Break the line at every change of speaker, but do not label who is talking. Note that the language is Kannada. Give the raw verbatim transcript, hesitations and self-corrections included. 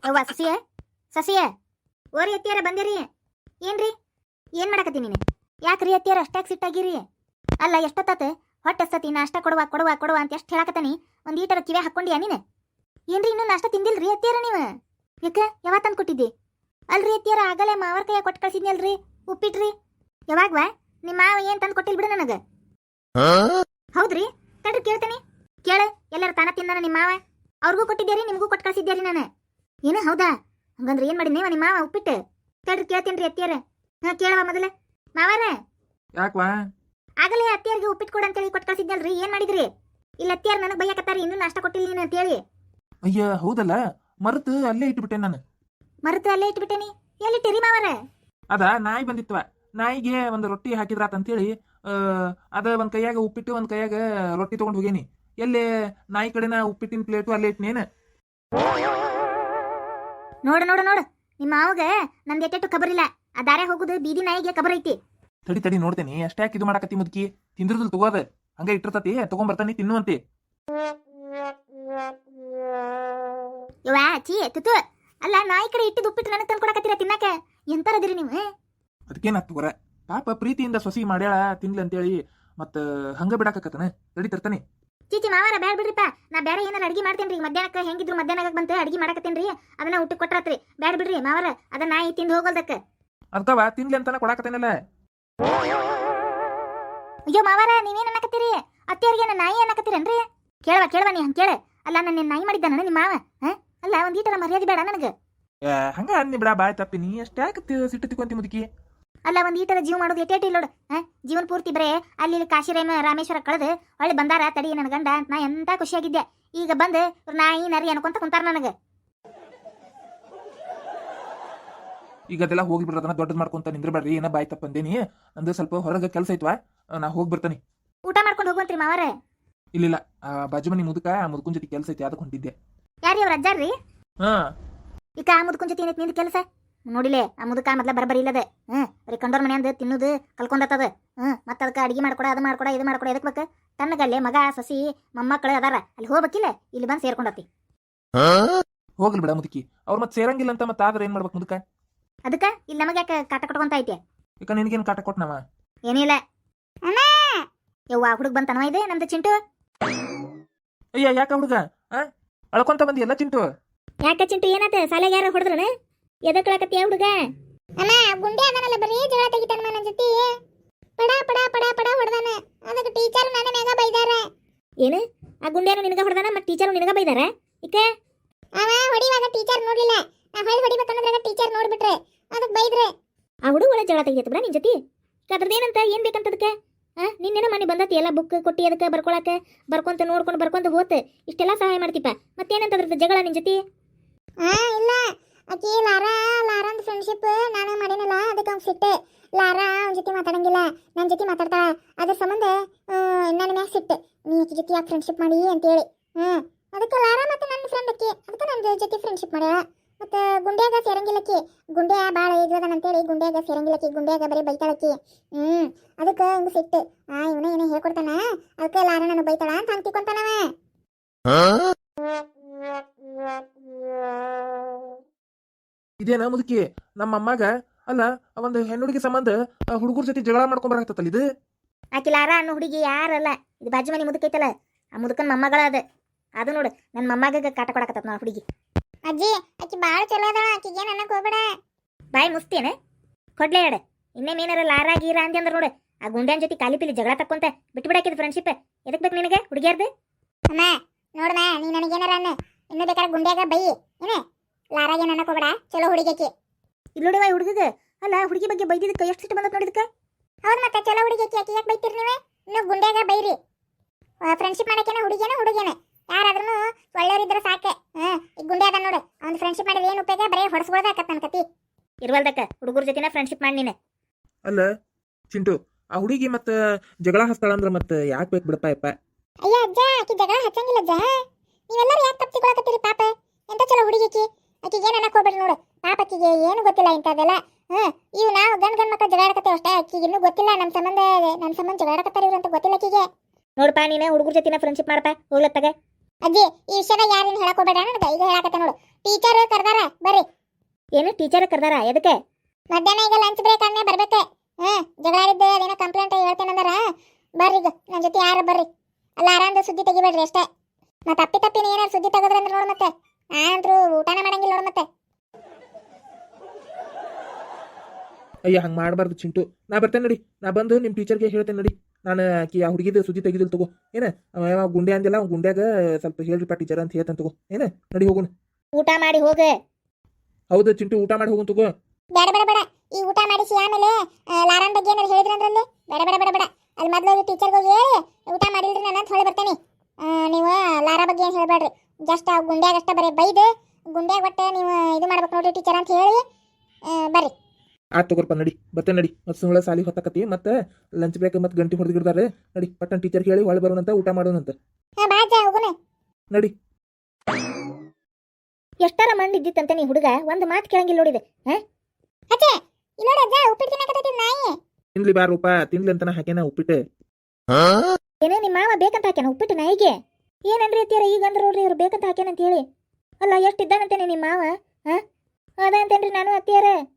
ಯವ್ವ ಸಸಿಯ ಸಸಿಯ ಓರಿ ಅತ್ತಿಯಾರ ಬಂದಿರಿ. ಏನ್ರಿ ಏನ್ ಮಾಡಕತ್ತಿ ನೀನು? ಯಾಕ್ರಿ ಅತ್ತಿಯಾರ ಅಷ್ಟಾಗಿ ಸಿಟ್ಟಾಗಿರಿ? ಅಲ್ಲ ಎಷ್ಟೊತ್ತಾತ ಹೊಟ್ಟೆ ಹಸ್ತತಿ, ನಾಷ್ಟ ಕೊಡುವ ಕೊಡುವ ಕೊಡುವ ಅಂತ ಎಷ್ಟು ಹೇಳಕತ್ತಾನಿ. ಒಂದು ಈಟರ ಕಿವೆ ಹಾಕ್ಕೊಂಡಿಯಾ ನೀನು? ಏನ್ರಿ ಇನ್ನೂ ನಾಷ್ಟ ತಿಂದಿಲ್ರಿ ಅತ್ತಿಯಾರ ನೀವು? ಯಾಕ ಯಾವಾಗ ತಂದು ಕೊಟ್ಟಿದ್ದಿ? ಅಲ್ರಿ ಅತ್ತಿಯಾರ ಆಗಲೇ ಮಾವರ ಕೈಯಾಗ ಕೊಟ್ಟು ಕಳ್ಸಿದ್ನಲ್ರಿ ಉಪ್ಪಿಟ್ರಿ. ಯಾವಾಗ್ವಾ ನಿಮ್ಮ ಮಾವ ಏನ್ ತಂದು ಕೊಟ್ಟಿಲ್ ಬಿಡು ನನಗ. ಹೌದ್ರಿ ತಡ್ರಿ ಕೇಳ್ತೇನೆ. ಕೇಳ ಎಲ್ಲಾರ ತಾನ ತಿಂದಾನ ನಿಮ್ಮ ಮಾವ? ಅವ್ರಿಗೂ ಕೊಟ್ಟಿದ್ದೀರಿ ನಿಮಗೂ ಕೊಟ್ಟು ಕಳ್ಸಿದ್ದೀರಿ ನಾನು. ಏನು ಹೌದಾ? ಹಂಗಂದ್ರೆ ಏನ್ ಮಾಡಿನೇವ ನಿಮ್ಮ ಮಾವ ಉಪ್ಪಿಟ್ಟು? ತಡ್ರಿ ಕೇಳ್ತೇನ್ರಿ ಅತ್ತಿಯಾರ. ಹಾ ಕೇಳವ ಮೊದಲ ಮಾವಾರ.
ಯಾಕವಾ?
ಆಗಲೇ ಅತ್ತಿಯಾರಿಗೆ ಉಪ್ಪಿಟ್ಟು ಕೊಡು ಅಂತೇಳಿ ಕೊಟ್ಟು ಕಳ್ಸಿದ್ನಲ್ರಿ, ಏನ್ ಮಾಡಿದ್ರಿ? ಇಲ್ಲ ಅತ್ತಿಯಾರ ನನಗೆ ಬೈಯಕತ್ತಾರಿ ಇನ್ನೂ ನಾಷ್ಟ ಕೊಟ್ಟಿಲ್ಲ ನೀನು ಅಂತೇಳಿ.
ಅಯ್ಯ ಹೌದಲ್ಲ, ಮರೆತು ಅಲ್ಲೇ ಇಟ್ಬಿಟ್ಟೆ ನಾನು.
ಮರೆತು ಅಲ್ಲೇ ಇಟ್ಬಿಟ್ಟೇನಿ. ಎಲ್ಲಿಟ್ಟಿರಿ ಮಾವಾರ?
ಅದ ನಾಯಿ ಬಂದಿತ್ವ, ನಾಯಿಗೆ ಒಂದು ರೊಟ್ಟಿ ಹಾಕಿದ್ರಾತ ಅಂತೇಳಿ ಅದ ಒಂದ್ ಕೈಯಾಗ ಉಪ್ಪಿಟ್ಟು ಒಂದ್ ಕೈಯಾಗ ರೊಟ್ಟಿ ತಗೊಂಡ್ ಹೋಗೇನಿ. ಎಲ್ಲೇ ನಾಯಿ ಕಡೆನ ಉಪ್ಪಿಟ್ಟಿನ ಪ್ಲೇಟು ಅಲ್ಲೇ ಇಟ್ನೇನ.
ನೋಡು ನೋಡು ನೋಡು ನಿಮ್ಮ ಮಾವಗ ನಂದು ಎಟ್ಟೆಟ್ಟು ಖಬರಿಲ್ಲ. ಆ ದಾರೆ ಹೋಗುದು ಬೀದಿ ನಾಯಿಗೆ ಖಬರ್ ಐತಿ.
ತಡಿ ತಡಿ ನೋಡ್ತೇನಿ. ಅಷ್ಟ್ಯಾಕೆ ಇದು ಮಾಡಕತ್ತಿ ಮುದುಕಿ? ತಿಂದಿರ್ದಲ್ ತಗೋದ ಹಂಗ ಇಟ್ಟಿರ್ತತಿ, ತಗೊಂಡ್ ಬರ್ತಾನಿ ತಿನ್ನುವಂತೆ.
ಯವ್ವಾ ಚೀ ತುತು. ಅಲ್ಲ ನಾಯಿ ಕಡೆ ಇಟ್ಟಿದ್ದು ಉಪ್ಪಿಟ್ಟು ನನಗೆ ತಂದು ಕೊಡಕತ್ತೀರ ತಿನ್ನಕ? ಎಂತಾರದಿರಿ ನೀವು?
ಅದಕ್ಕೇನಾತ್ ತಗೋರ, ಪಾಪ ಪ್ರೀತಿಯಿಂದ ಸೊಸಿ ಮಾಡ್ಯಾಳ ತಿನ್ಲಿ ಅಂತೇಳಿ ಮತ್ತ ಹಂಗ ಬಿಡಾಕತ್ತನ. ತಡಿ ತರ್ತಾನೆ.
ಚೀಚಿ ಮಾವಾರ ಬ್ಯಾಡ ಬಿಡ್ರಿಪ್ಪ, ನಾ ಬೇರೆ ಏನಾರ ಅಡಿಗೆ ಮಾಡ್ತೇನ್ರಿ. ಮಧ್ಯಾಹ್ನಕ್ಕೆ ಹೆಂಗಿದ್ರು ಮಧ್ಯಾಹ್ನ ಬಂತ ಅಡಿಗೆ ಮಾಡಕತ್ತೇನ್ರಿ, ಅದನ್ನ ಊಟಕ್ಕೆ ಕೊಟ್ರಾತ್ರಿ. ಬ್ಯಾಡ ಬಿಡ್ರಿ ಮಾವಾರ, ಅದನ್ನ ನಾಯಿ ತಿಂದು ಹೋಗೋದಕ್ಕ.
ಅರ್ಧವ ತಿನ್ಲಿ ಅಂತಾನ ಕೊಡಾಕತ್ತೇನಲ್ಲ.
ಅಯ್ಯೋ ಮಾವಾರ ನೀವೇನ್ ಅನ್ನಕತ್ತೀರಿ? ಅತ್ತಿಯವ್ರಿಗೆ ನನ್ನ ನಾಯಿ ಅನ್ನಕತ್ತೀರೇನ್ರಿ? ಕೇಳವ ಕೇಳವ ನೀ ಹಂಗ ಕೇಳ. ಅಲ್ಲ ನನ್ನ ನಾಯಿ ಮಾಡಿದ್ದಾನ ನಿಮ್ಮ ಮಾವ? ಅಲ್ಲ ಒಂದ್ ಈಟರ ಮರ್ಯಾದೆ ಬೇಡ ನನಗ?
ಹಂಗ ಅನ್ನಿ ಬಿಡ, ಬಾಯ್ ತಪ್ಪಿ. ನೀ ಅಷ್ಟ್ಯಾಕೆ ಸಿಟ್ಟು ತಿಕ್ಕೊಂತಿ ಮುದುಕಿ?
ಅಲ್ಲ ಒಂದ್ ಈಟರ ಜೀವ ಮಾಡೋದು ಎಟ್ಟೇಟಿ ನೋಡು. ಜೀವನ ಪೂರ್ತಿ ಬರೇ ಅಲ್ಲಿ ಕಾಶಿರೇಮ ರಾಮೇಶ್ವರ ಕಳೆದು ಒಳ್ಳೆ ಬಂದಾರ ತಡಿ ನನ್ನ ಗಂಡ ನಾ ಎಂತ ಖುಷಿಯಾಗಿದ್ದೆ. ಈಗ ಬಂದು ನಾಯಿ ನರಿ ಅನ್ಕೊಂತ ಕುಂತಾರ ನನಗ.
ಈಗ ಅದೆಲ್ಲ ಹೋಗಿ ಬಿಡ್ರದನ್ನ ದೊಡ್ಡದ್ ಮಾಡ್ಕೊಂತ ನಿಂದ್ರಬೇಡ್ರಿ. ಏನ ಬಾಯ್ ತಪ್ಪಂದೇನಿ, ನಂದು ಸ್ವಲ್ಪ ಹೊರಗೆ ಕೆಲಸ ಐತ್ವಾ, ನಾ ಹೋಗಿ ಬರ್ತಾನೆ.
ಊಟ ಮಾಡ್ಕೊಂಡು ಹೋಗುವಂತ್ರಿ ಮಾವಾರ?
ಇಲ್ಲ, ಆ ಬಾಜು ಮನಿ ಮುದುಕ ಆ ಮುದುಕನ್ ಜೊತೆ ಕೆಲಸ ಐತಿ, ಅದಕ್ಕೆ ಹೊಂಟಿದ್ದೆ.
ಯಾರಿ ಅವ್ರ ಅಜ್ಜಾರ್ರಿ?
ಹಾ
ಈಗ ಆ ಮುದುಕನ್ ಜೊತೆ ಏನೈತಿ ನಿಂದ ಕೆಲಸ? ನೋಡಿಲೆ ಆ ಮುದುಕ ಮೊದ್ಲ ಬರಬರಿ ಇಲ್ಲದೆ. ಹ್ಮ್ ಬರೀ ಕಂಡೋರ್ ಮನೆ ಅಂದ್ ತಿನ್ನುದು ಕಲ್ಕೊಂಡತ್ತದ. ಹ್ಮ್ ಮತ್ತ ಅದಕ್ಕೆ ಅಡಿಗೆ ಮಾಡ್ಕೊಡ ಅದು ಮಾಡ್ಕೊಡ ಇದು ಮಾಡ್ಕೊಡ ಎದಕ್ ಬೇಕು? ತನ್ನಗಲ್ಲೇ ಮಗ ಸಸಿ ಮೊಮ್ಮಕ್ಕಳು ಅದಾರ, ಅಲ್ಲಿ ಹೋಗ್ಬೇಕಿಲ್ಲ, ಇಲ್ಲಿ ಬಂದು ಸೇರ್ಕೊಂಡತಿ.
ಹೋಗ್ಲಿ ಬಿಡ ಮುದುಕಿ, ಅವ್ರ ಮತ್ ಸೇರಂಗಿಲ್ಲ ಅಂತ ಮತ್ತ ಆದ್ರೆ ಏನ್ ಮಾಡ್ಬೇಕು ಮುದುಕ?
ಅದಕ್ಕ ಇಲ್ಲಿ ನಮಗೆ ಯಾಕೆ ಕಾಟ ಕೊಟ್ಕೊಂತ ಐತೆ?
ಈಗ ನಿನಗೇನ್ ಕಾಟ ಕೊಟ್ನವ?
ಏನಿಲ್ಲ. ಯವ್ವ ಹುಡುಗ ಬಂತನವ ಇದೆ ನಮ್ದು ಚಿಂಟು.
ಅಯ್ಯ ಯಾಕ ಹುಡುಗ ಅಳ್ಕೊಂತ ಬಂದಿ ಎಲ್ಲ ಚಿಂಟು?
ಯಾಕ ಚಿಂಟು ಏನಾತ? ಸಾಲೆಗೆ ಯಾರ ಹೊಡೆದ್ರನ? ಎದಕ್ ಕಳಕತ್ತೀಯ ಹುಡುಗ? ಅಮ್ಮ ಗುಂಡೆ ಅದನಲ್ಲ ಬರೀ ಜಗಳ ತೆಗಿತಾನ ನನ್ನ ಜೊತೆ. ಪಡ ಪಡ ಪಡ ಪಡ ಹೊಡೆದಾನ. ಅದಕ್ಕೆ ಟೀಚರ್ ನನ್ನ ಮ್ಯಾಗ ಬೈದಾರ. ಏನು ಆ ಗುಂಡೆನು ನಿನಗ ಹೊಡೆದಾನ ಮತ್ತೆ ಟೀಚರ್ ನಿನಗ ಬೈದಾರ? ಇಕ ಅವ ಹೊಡಿವಾಗ ಟೀಚರ್ ನೋಡ್ಲಿಲ್ಲ, ನಾ ಹೊಳಿ ಹೊಡಿಬೇಕನ್ನೋದ್ರಾಗ ಟೀಚರ್ ನೋಡ್ಬಿಟ್ರೆ ಅದಕ್ಕೆ ಬೈದ್ರೆ. ಆ ಹುಡುಗ ಒಳ್ಳೆ ಜಗಳ ತೆಗಿಯತ್ತ ಬಿಡ ನಿನ್ ಜೊತೆ. ಅದ್ರದ್ದೇನಂತ ಏನ್ ಬೇಕಂತದಕ್ಕೆ? ಆ ನಿನ್ನೇನೋ ಮನೆ ಬಂದತಿ ಎಲ್ಲ ಬುಕ್ ಕೊಟ್ಟಿ ಅದಕ್ಕೆ ಬರ್ಕೊಳಕ ಬರ್ಕೊಂತ ನೋಡ್ಕೊಂಡು ಬರ್ಕೊಂತ ಹೋತ್ ಇಷ್ಟೆಲ್ಲ ಸಹಾಯ ಮಾಡ್ತಿಪ್ಪ, ಮತ್ತೇನಂತ ಅದ್ರದ್ದು ಜಗಳ ನಿನ್ ಜೊತೆ? ಹಾ ಇಲ್ಲ, ಆಕಿ ಲಾರಾ ಲಾರಾಂದ್ ಫ್ರೆಂಡ್ಶಿಪ್ ನಾನು ಮಾಡೇನಲ್ಲ, ಅದಕ್ಕೆ ಅವ್ನು ಸಿಟ್ಟೆ. ಲಾರಾ ಅವನ ಜೊತೆ ಮಾತಾಡಂಗಿಲ್ಲ, ನನ್ನ ಜೊತೆ ಮಾತಾಡ್ತಾಳ. ಅದ್ರ ಸಂಬಂಧ ನನ್ನ ಮ್ಯಾಗ ಸಿಟ್ಟೆ, ನೀ ಆಕಿ ಜೊತೆ ಯಾಕೆ ಫ್ರೆಂಡ್ಶಿಪ್ ಮಾಡಿ ಅಂತೇಳಿ. ಹ್ಮ್ ಅದಕ್ಕೆ ಲಾರಾ ಮತ್ತೆ ನನ್ನ ಫ್ರೆಂಡ್ ಅಕ್ಕಿ, ಅದಕ್ಕೆ ನನ್ನ ಜೊತೆ ಫ್ರೆಂಡ್ಶಿಪ್ ಮಾಡ್ಯಾಳ. ಮತ್ತೆ ಗುಂಡ್ಯಾಗ ಸೇರಂಗಿಲ್ಲಕ್ಕಿ, ಗುಂಡ್ಯಾ ಭಾಳ ಇದ್ರದನಂತೇಳಿ ಗುಂಡ್ಯಾಗ ಸೇರಂಗಿಲ್ಲಕ್ಕಿ, ಗುಂಡ್ಯಾಗ ಬರೀ ಬೈತಾಳಕ್ಕಿ. ಹ್ಮ್ ಅದಕ್ಕೆ ಹಿಂಗೆ ಸಿಟ್ಟು. ಆ ಇವನ ಏನೋ ಹೇಳ್ಕೊಡ್ತಾನ, ಅದಕ್ಕೆ ಲಾರಾ ನಾನು ಬೈತಾಳ ಅಂತ ಹಂಗೆ ತಿಳ್ಕೊಂತಾನವ.
ಇದೇನ ಮುದುಕಿ ನಮ್ಮ ಅಮ್ಮಾಗ? ಅಲ್ಲ ಒಂದು ಹೆಣ್ಣುಡುಗಿ ಸಂಬಂಧ ಹುಡುಗರ ಜೊತೆ ಜಗಳ ಮಾಡ್ಕೊಂಡ್ ಬರಕತ್ತಲ್ಲ ಇದು?
ಆಕಿ ಲಾರಾ ಅನ್ನೋ ಹುಡುಗಿ ಯಾರಲ್ಲ, ಇದು ಬಾಜು ಮನೆ ಮುದುಕೈತಲ್ಲ ಆ ಮುದುಕನ್ ಮೊಮ್ಮಗಳ ಅದ. ಅದು ನೋಡು ನನ್ನ ಮೊಮ್ಮಗ ಕಾಟ ಕೊಡಕತ್ತ ನಾ ಹುಡುಗಿ. ಅಜ್ಜಿ ಆಕಿ ಭಾಳ ಚಲೋ ಅದ, ಆಕಿಗೆ ಏನು ಅನ್ನಕ್ಕೆ ಹೋಗ್ಬೇಡ. ಬಾಯಿ ಮುಸ್ತೇನೆ ಕೊಡ್ಲೇ ಹೇಳ. ಇನ್ನೇನೇನಾರ ಲಾರಾ ಗೀರಾ ಅಂದಿ ಅಂದ್ರೆ ನೋಡು ಆ ಗುಂಡ್ಯಾನ್ ಜೊತೆ ಕಾಲಿ ಪಿಲಿ ಜಗಳ ತಕ್ಕೊಂತ ಬಿಟ್ಟು ಬಿಡಾಕಿದ್ ಫ್ರೆಂಡ್ಶಿಪ್. ಎದಕ್ ಬೇಕು ನಿನಗೆ ಹುಡುಗಿಯಾರ್ದು? ಅಮ್ಮ ನೋಡಮ್ಮ, ನೀ ನನಗೇನಾರ ಅನ್ನ, ಇನ್ನೂ ಬೇಕಾದ್ರೆ ಗುಂಡ್ಯಾಗ ಬೈ ಏನೇ, ಲಾರಾಗೆ ಅನ್ನಕ್ಕೆ ಹೋಗ್ಬೇಡ, ಚಲೋ ಹುಡುಗಿಯಾಕಿ. ಇಲ್ಲಿ ನೋಡಿವ ಹುಡುಗಗ. ಅಲ್ಲ ಹುಡುಗಿ ಬಗ್ಗೆ ಬೈದಿದ್ದಕ್ಕೆ ಎಷ್ಟು ಸಿಟ್ಟು ಬಂದತ್ ನೋಡಿದಕ್ಕೆ? ಹೌದು ಮತ್ತೆ ಚಲೋ ಹುಡುಗಿಯಾಕಿ, ಆಕಿ ಯಾಕೆ ಬೈತೀರಿ ನೀವೇ? ಇನ್ನು ಗುಂಡ್ಯಾಗ ಬೈರಿ. ಫ್ರೆಂಡ್ಶಿಪ್ ಮಾಡಕ್ಕೇನ ಹುಡುಗಿಯೇನ ಹುಡುಗಿಯೇನ ಯಾರಾದ್ರೂ ಒಳ್ಳೆಯವರಿದ್ರೆ ಸಾಕೆ. ಹಾಂ ಈಗ ಗುಂಡೆ ಅದ ನೋಡು, ಅವ್ನು ಫ್ರೆಂಡ್ಶಿಪ್ ಮಾಡಿದ್ರೆ ಏನು ಉಪಯೋಗ? ಬರೀ ಹೊಡೆಸ್ಕೊಳ್ದಾಕತ್ತ ನನ್ನ ಕತಿ. ಇರ್ವಲ್ದಕ್ಕ ಹುಡುಗರ ಜೊತೆನ ಫ್ರೆಂಡ್ಶಿಪ್ ಮಾಡಿ ನೀನು.
ಅಲ್ಲ ಚಿಂಟು, ಆ ಹುಡುಗಿ ಮತ್ತ ಜಗಳ ಹಚ್ತಾಳ ಅಂದ್ರೆ ಮತ್ತೆ ಯಾಕೆ ಬೇಕು ಬಿಡಪ್ಪ ಯಪ್ಪ?
ಅಯ್ಯ ಅಜ್ಜ ಆಕಿ ಜಗಳ ಹಚ್ಚಂಗಿಲ್ಲ ಅಜ್ಜ, ನೀವೆಲ್ಲರೂ ಯಾಕೆ ತಪ್ಪು ತಿಳ್ಕೊಳಕತ್ತೀರಿ? ಪಾಪ ಎಂತ ಚಲೋ ಹುಡುಗಿ ಆಕಿ, ಆಕಿಗೆ ಏನು ಅನ್ನಕ್ಕೆ ಹೋಗ್ಬೇಡಿ ನೋಡು. ಪಾಪ ಆಕಿಗೆ ಏನು ಗೊತ್ತಿಲ್ಲ ಇಂಥದ್ದೆಲ್ಲ. ಹ್ಮ್ ಇವು ನಾವು ಗಂಡ್ ಗಂಡ್ ಮಕ್ಕಳು ಜಗಾಡಕತ್ತೇವೆ ಅಷ್ಟೇ, ಆಕಿಗೆ ಇನ್ನೂ ಗೊತ್ತಿಲ್ಲ ನಮ್ಮ ಸಂಬಂಧ ನಮ್ಮ ಸಂಬಂಧ ಜಗಾಡಕತ್ತಾರ ಇವ್ರು ಅಂತ ಗೊತ್ತಿಲ್ಲ ಆಕಿಗೆ. ನೋಡಪ್ಪ ನೀನು ಹುಡುಗರ ಜೊತೆನ ಫ್ರೆಂಡ್ಶಿಪ್ ಮಾಡಪ್ಪ ಹೋಗ್ಲತ್ತಾಗ. ಅಜ್ಜಿ ಈ ವಿಷಯದಾಗ ಯಾರೇನು ಹೇಳಕ್ ಹೋಗ್ಬೇಡ ನನಗೆ ಈಗ ಹೇಳಕತ್ತೆ ನೋಡು ಟೀಚರ್ ಕರ್ದಾರ ಬರ್ರಿ ಏನು ಟೀಚರ್ ಕರ್ದಾರ ಎದಕ್ಕೆ ಮಧ್ಯಾಹ್ನ ಈಗ ಲಂಚ್ ಬ್ರೇಕ್ ಅನ್ನೇ ಬರ್ಬೇಕೆ ಹ್ಮ್ ಜಗಳ ಆಡಿದ್ದೆ ಅದೇನೋ ಕಂಪ್ಲೇಂಟ್ ಹೇಳ್ತೇನಂದಾರ ಬರ್ರಿ ಈಗ ನನ್ನ ಜೊತೆ ಯಾರು ಬರ್ರಿ ಅಲ್ಲ ಆರಾಮ್ದ ಸುದ್ದಿ ತೆಗಿಬೇಡ್ರಿ ಅಷ್ಟೇ ಮತ್ತೆ ತಪ್ಪಿ ತಪ್ಪಿನ ಏನಾರು ಸುದ್ದಿ ತೆಗೆದ್ರಂದ್ರೆ ನೋಡು ಮತ್ತೆ ನಾನಂತರೂ ಊಟನ ಮಾಡಂಗಿಲ್ಲ ನೋಡು ಮತ್ತೆ
ಅಯ್ಯ ಹಂಗೆ ಮಾಡಬಾರ್ದು ಚಿಂಟು ನಾ ಬರ್ತೇನೆ ನಡಿ ನಾ ಬಂದು ನಿಮ್ಮ ಟೀಚರ್ಗೆ ಹೇಳ್ತೇನೆ ನಡಿ ನಾನು ಆಕಿ ಆ ಹುಡುಗಿದ ಸುದ್ದಿ ತೆಗಿದಿಲ್ಲ ತಗೋ ಏನ ಅವ ಯಾವ ಗುಂಡೆ ಅಂದಿಲ್ಲ ಅವ್ನು ಗುಂಡ್ಯಾಗ ಸ್ವಲ್ಪ ಹೇಳ್ರಿಪ್ಪ ಟೀಚರ್ ಅಂತ ಹೇಳ್ತಾನೆ ತಗೋ ಏನ ನಡಿ ಹೋಗೋಣ
ಊಟ ಮಾಡಿ ಹೋಗೆ
ಹೌದು ಚಿಂಟು ಊಟ ಮಾಡಿ ಹೋಗೋಣ ತಗೋ
ಬೇಡ ಬೇಡ ಬೇಡ ಈ ಊಟ ಮಾಡಿಸಿ ಆಮೇಲೆ ಲಾರನ್ ಬಗ್ಗೆ ಏನಾರು ಹೇಳಿದ್ರಂದ್ರಲ್ಲಿ ಬೇಡ ಬೇಡ ಬೇಡ ಬೇಡ ಅಲ್ಲಿ ಮೊದಲು ಹೋಗಿ ಟೀಚರ್ಗೆ ಹೋಗಿ ಹೇಳಿ ಊಟ ಮಾಡಿಲ್ರಿ ನಾನು ಅಂತ ಹೊಳೆ ಬರ್ತೇನೆ ನೀವು ಲಾರ ಬಗ್ಗೆ ಏನು ಹೇಳಬೇಡ್ರಿ ಜಸ್ಟ್ ಆ ಗುಂಡ್ಯಾಗ ಅಷ್ಟೇ ಬರೀ ಬೈದು ಗುಂಡ್ಯಾಗ ಒಟ್ಟೆ ನೀವು ಇದು ಮಾಡ್ಬೇಕು ನೋಡ್ರಿ ಟೀಚರ್ ಅಂತ ಹೇಳಿ ಬರ್ರಿ
ಆತ್ ತಗೋರ್ಪ ನಡಿ ಬರ್ತೇನೆ ನಡಿ ಮತ್ತು ಸುಮ್ಮನೆ ಸಾಲಿ ಹೊತ್ತಕತಿ ಮತ್ತೆ ಲಂಚ್ ಬ್ರೇಕ್ ಮತ್ತು ಗಂಟೆ ಹೊಡೆದಿರ್ತಾರೆ ನಡಿ ಪಟ್ಟನ್ ಟೀಚರ್ಗೆ ಹೇಳಿ ಒಳಗೆ ಬರೋಣಂತ ಊಟ ಮಾಡೋಣಂತ
ಹಾಂ ಬಾ ಅಜ್ಜ ಹೋಗೋಣ
ನಡಿ
ಎಷ್ಟಾರ ಮಂದಿ ಇದ್ದಿತ್ತಂತೆ ನೀ ಹುಡುಗ ಒಂದು ಮಾತು ಕೇಳಂಗಿಲ್ಲ ನೋಡಿದೆ ಹಾಂ ಅಜ್ಜ ಇಲ್ಲೋಡ ಅಜ್ಜ ಉಪ್ಪಿಟ್ಟು ತಿನ್ನಕತ್ತೈತಿ ನಾಯಿ
ತಿನ್ಲಿ ಬಾ ರೂಪ ತಿನ್ಲಿ ಅಂತಾನ ಹಾಕ್ಯಾನ ಉಪ್ಪಿಟ್ಟು
ಏನೇ ನಿಮ್ಮ ಮಾವ ಬೇಕಂತ ಹಾಕ್ಯಾನ ಉಪ್ಪಿಟ್ಟು ನಾಯಿಗೆ ಏನನ್ರಿ ಅತ್ತೀರ ಈಗ ಅಂದ್ರೆ ನೋಡ್ರಿ ಇವ್ರು ಬೇಕಂತ ಹಾಕ್ಯಾನ ಅಂತ ಹೇಳಿ ಅಲ್ಲ ಎಷ್ಟು ಇದ್ದಾನಂತೇನೆ ನಿಮ್ಮ ಮಾವ ಹಾಂ ಅದ ಅಂತೇನ್ರಿ ನಾನು ಅತ್ತಿಯಾರ